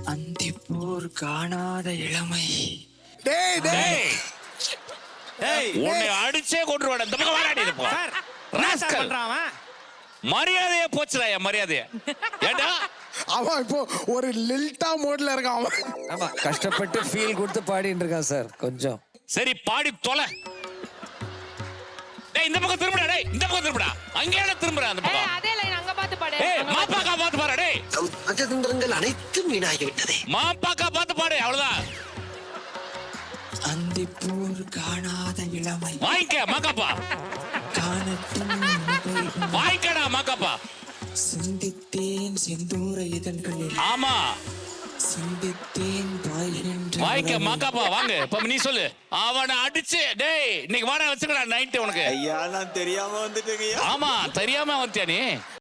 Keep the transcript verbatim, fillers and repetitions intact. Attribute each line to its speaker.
Speaker 1: அந்திப்போர் காணாத இளமை.
Speaker 2: டேய் டேய்
Speaker 3: டேய்
Speaker 4: உன்னை அடிச்சே கொன்றுவாடா. இந்த பக்கம் வாடாடி இது போ.
Speaker 3: சார் ராஸ்கல் பண்றான்
Speaker 4: மரியாதையே போச்சுடா என் மரியாதையே. ஏண்டா
Speaker 2: அவன் இப்போ ஒரு லில்டா மோட்ல இருக்கான் அவன்.
Speaker 5: ஆமா கஷ்டப்பட்டு ஃபீல் கொடுத்து பாடிட்டு இருக்கான் சார். கொஞ்சம்
Speaker 4: சரி பாடி தொலை. டேய் இந்த பக்கம் திரும்புடா. டேய் இந்த பக்கம் திரும்புடா. அங்கேயே திரும்புடா அந்த
Speaker 6: ஏய்
Speaker 4: பக்கம்.
Speaker 6: அதே லைன் அங்க பாத்து பாடு.
Speaker 4: ஏய் மாப்பாக்கா பாத்து பாரு. டேய்
Speaker 1: நம் ராஜதந்திரங்கள் அனைத்தும் வீணாகிவிட்டதே.
Speaker 4: மாப்பாக்கா பாத்து பாடு. அவ்வளவுதான்.
Speaker 1: அந்திப்போர் காணாத இளமை.
Speaker 4: வாங்கிக்க மாக்காப்பா.
Speaker 1: காணட்டும் நிகழ்வு.
Speaker 4: வாங்கிக்கடா மாக்காப்பா.
Speaker 1: சிந்தித்தேன் செந்தூர இதழ்களில்.
Speaker 4: ஆமா
Speaker 1: சிந்தித்தேன் பாய்கின்ற
Speaker 4: வாங்கிக்க
Speaker 1: உறவில்.
Speaker 4: மாக்காப்பா. வாங்க இப்ப நீ சொல்லு. அவனை அடிச்சு டேய் இன்னைக்கு வாடா வச்சுக்கடா நைட்டு உனக்கு.
Speaker 7: ஐயா நான் தெரியாம வந்துட்டேங்க.
Speaker 4: ஆமா தெரியாம வந்துட்டியா நீ.